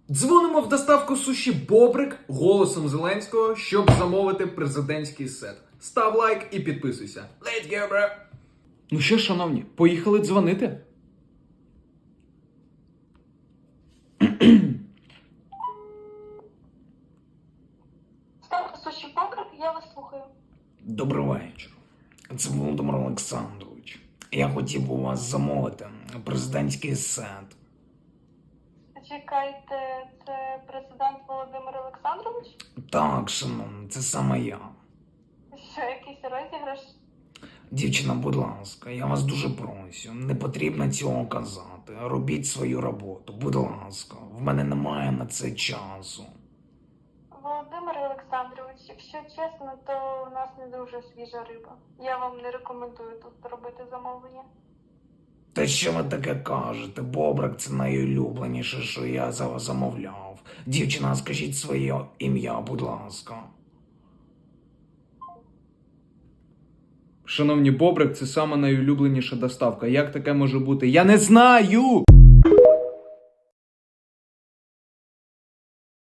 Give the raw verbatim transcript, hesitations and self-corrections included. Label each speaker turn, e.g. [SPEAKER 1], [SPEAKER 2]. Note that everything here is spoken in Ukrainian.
[SPEAKER 1] Дзвонимо в доставку суші Бобрик голосом Зеленського, щоб замовити президентський сет. Став лайк і підписуйся. Let's go, bro! Ну що, шановні, поїхали дзвонити?
[SPEAKER 2] Ставка суші Бобрик, я вас слухаю.
[SPEAKER 3] Добрий вечір. Це Володимир Олександрович. Я хотів би у вас замовити президентський сет.
[SPEAKER 2] Чекайте, це президент Володимир Олександрович?
[SPEAKER 3] Так, шановний, це саме я.
[SPEAKER 2] Що, якийсь розіграш?
[SPEAKER 3] Дівчина, будь ласка, я вас дуже прошу, не потрібно цього казати. Робіть свою роботу, будь ласка. В мене немає на це часу.
[SPEAKER 2] Володимир Олександрович, якщо чесно, то у нас не дуже свіжа риба. Я вам не рекомендую тут робити замовлення.
[SPEAKER 3] Та що ви таке кажете? Бобрик – це найулюбленіше, що я за вас замовляв. Дівчина, скажіть своє ім'я, будь ласка.
[SPEAKER 1] Шановні, Бобрик – це сама найулюбленіша доставка. Як таке може бути? Я не знаю!